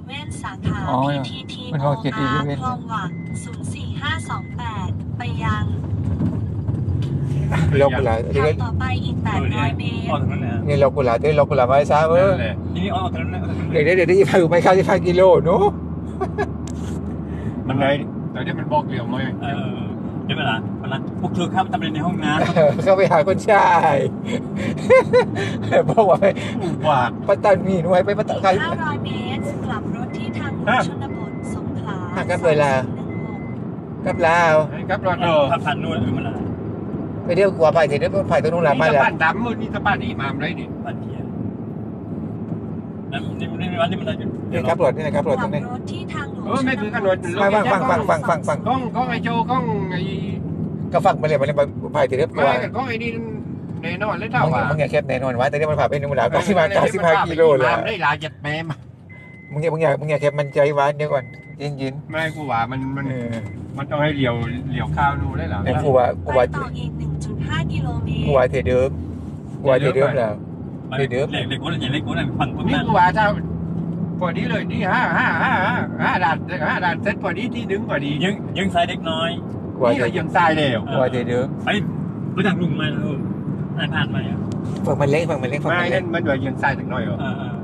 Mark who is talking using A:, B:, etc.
A: เว่นสาขา
B: อ๋อ
A: PTT
B: มัน
A: โอ
B: บอกเจ็ดอี
A: อา
B: เลเว่น
A: ร์คลองหวัง04528 ไปยัง
C: เรากุหลาบ
A: ขับต่อไปอีก 800 เมต
D: ออก
A: ร
D: ถนนนะ
C: นี่เรากุหลาบเรากุหลาบไม้ซ้ำเออ
D: นั่นแหละทีนี้ออกถนนนะ
C: เดี๋ยวไปข้าวที่5 กิโลเนาะ
D: มันไงตอนนี้มันบอกเหลี่ยมมาเดี๋ยวเวลาพวกเธอครับทำอะไรในห้องน้ำ
C: เข้าไปหาคนชายบอกว่าไป
D: ว่า
C: ปัตตานีหน่วยไปปัตตานี
A: 500 เมตร กลับรถที่ทางหลวงชนบทสงขลา
C: ครับเวลา กับลาว
D: ครับรอทำผ่านนู่นมันอะไร
C: ไปเดี๋ยวกลัวไปเดี๋ยวไปตรงนู้นละไม่
D: นี่
C: ละ
D: บ้านดำมืดนี่สะบ้านอีมามไรนี่บ้านเทียนนั่นนี่วันนี้มันอะไรอยู่
C: นี่ครับรถนี่นะครับรถ
A: ก
C: ต
A: ลั
C: รง
A: บ
C: นี้
A: รถที่ทางหลวง
D: ไม่คือกันรถ
C: ฟัง
D: กล้องไอโจกล้องไอ
C: ก็ฟังไปเลยมันไปเดี๋ยวกลัว
D: ไม่กับกล้องไอนี่แน่นอนเลยเท่าว่า
C: มึงอย่าแคบแน่นอนวะแต่นี่มันผ่านไปนู่นละ95 กิโลเลย
D: ได้ลายจัดแมม
C: มึงอย่าแคบมันใจวะเดี๋ยวก่อนยิน
D: ไม่กูว่ามันต้องให้เหลียวข้าวนู่นได้หรอ
C: แต่กู
A: ไป
C: ว่า
A: ต่ออีก 1.5 กิโลเมต
C: กู
A: ร
C: ว่าเทเดิมแล้ว
D: เล็กคนอย่างเล็กคนฝั่ง นี่กูว่าถ้าพอดีเลยนี่5 ด่านเซ็ตพอดีที่ดึงพอดี
E: ยังใส่เด็กน้อย
C: กูว่า
D: นี่ก็ยังทรายเร็ว
C: กูว่าเทเดิม
E: ไปรู้จักลุงไหมล่ะอ่านผ่านไหม
C: ฝั่งมันเล็ก
D: ไม่นั่นมันว่ายังทรายถึงน้อยเหรอ
E: อ่า